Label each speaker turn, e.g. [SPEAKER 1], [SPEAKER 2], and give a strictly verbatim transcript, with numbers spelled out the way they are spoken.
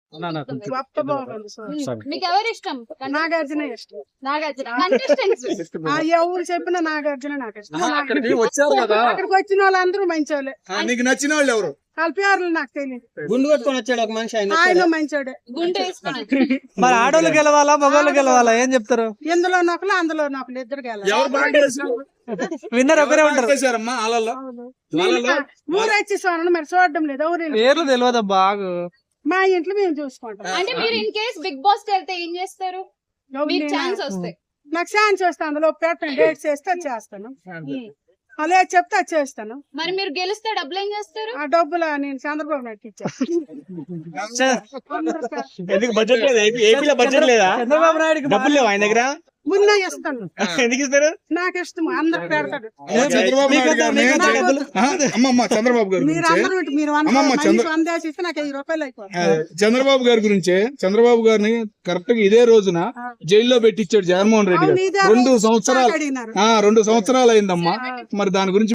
[SPEAKER 1] మీకు ఎవరు ఇష్టం?
[SPEAKER 2] నాగార్జున ఇష్టం.
[SPEAKER 1] నాగార్జున. కంటెస్టెంట్స్
[SPEAKER 2] ఎవరు చెప్పినా నాగార్జున నాకు ఇష్టం.
[SPEAKER 3] వచ్చారు కదా
[SPEAKER 2] అక్కడికి వచ్చిన వాళ్ళందరూ మంచి వాళ్ళే.
[SPEAKER 3] నీకు నచ్చిన వాళ్ళు ఎవరు?
[SPEAKER 2] వాళ్ళ పేర్లు నాకు తెలియదు.
[SPEAKER 4] గుండు కొట్టుకొని వచ్చాడు ఒక మనిషి, ఆయన
[SPEAKER 2] ఆయన మంచోడే.
[SPEAKER 1] గుండె వేసుకొని
[SPEAKER 5] మరి ఆడోళ్ళు గెలవాలా మగవాళ్ళు గెలవాలా ఏం చెప్తారు?
[SPEAKER 2] ఇందులో నొకలు అందులో నొకలు ఇద్దరు గెలవాలి.
[SPEAKER 3] ఎవరు బాగా చేశారు?
[SPEAKER 5] విన్నర్ ఒకరే ఉంటారు.
[SPEAKER 3] చేశారమ్మా వాళ్ళలో వాళ్ళలో
[SPEAKER 2] ఊరు వచ్చేసాను మరి చూడడం లేదు. ఎవరు
[SPEAKER 5] పేర్లు తెలియదు బాగు.
[SPEAKER 2] మా ఇంట్లో మేము చూసుకుంటాం.
[SPEAKER 1] అంటే మీరు ఇన్ కేస్ బిగ్ బాస్ కి వెళ్తే ఏం చేస్తారు? మీకు ఛాన్స్ వస్తే
[SPEAKER 2] నాకు ఛాన్స్ వస్తే అందులో పెట్టండి, డేట్ చేస్తే అది చేస్తాను. అలా చెప్తే అది చేస్తాను.
[SPEAKER 1] మరి మీరు గెలిస్తే డబ్బులు ఏం చేస్తారు?
[SPEAKER 2] ఆ డబ్బులు నేను చంద్రబాబు నాయుడు ఇచ్చాను.
[SPEAKER 4] ఎందుకు బడ్జెట్ లేదా? ఏపీలో బడ్జెట్ లేదా?
[SPEAKER 5] చంద్రబాబు నాయుడు
[SPEAKER 4] డబ్బులు లేవు ఆయన దగ్గర?
[SPEAKER 2] ముందే ఇస్తాను.
[SPEAKER 4] ఎందుకు ఇస్తారు?
[SPEAKER 2] నాకు ఇష్టం, అందరికి పెడతాడు.
[SPEAKER 3] చంద్రబాబు నాయుడు గారిని అమ్మమ్మ చంద్రబాబు గారి
[SPEAKER 2] మీరు
[SPEAKER 3] గురించి
[SPEAKER 2] అందరూ ఇటు మీరు వంద
[SPEAKER 3] అమ్మమ్మ చంద్ర-
[SPEAKER 2] మనిషి వంద వేసి ఇస్తే నాకు ఐదు రూపాయలు అయిపోతుంది.
[SPEAKER 3] ఆ, చంద్రబాబు గారి గురించే చంద్రబాబు గారిని కరెక్ట్ గా ఇదే రోజున జైల్లో పెట్టించాడు జగన్మోహన్ రెడ్డి
[SPEAKER 2] అవును,
[SPEAKER 3] గారు.
[SPEAKER 2] ఇదే
[SPEAKER 3] రెండు
[SPEAKER 2] రోజు
[SPEAKER 3] సంవత్సరాలు
[SPEAKER 2] అడిగినారు.
[SPEAKER 3] ఆ రెండు సంవత్సరాలు అయిందమ్మా. మరి దాని గురించి